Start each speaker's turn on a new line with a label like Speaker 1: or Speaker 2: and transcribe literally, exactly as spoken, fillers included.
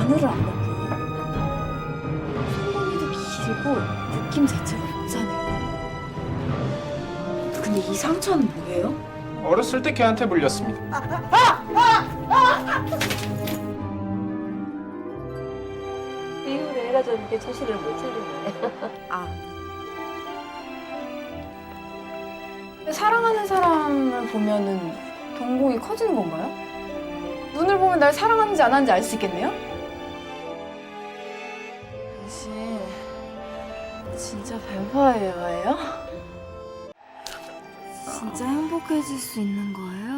Speaker 1: 마늘을 안 넣고 손목이도 길고 느낌 자체가 여자네. 근데 이 상처는 뭐예요?
Speaker 2: 어렸을 때 걔한테 물렸습니다.
Speaker 3: 이후로 애가 좀 이렇게 정신을 못 차리네.
Speaker 1: 아. 사랑하는 사람을 보면은 동공이 커지는 건가요? 눈을 보면 날 사랑하는지 안 하는지 알 수 있겠네요? 당신 진짜 뱀파이어예요? 진짜 행복해질 수 있는 거예요?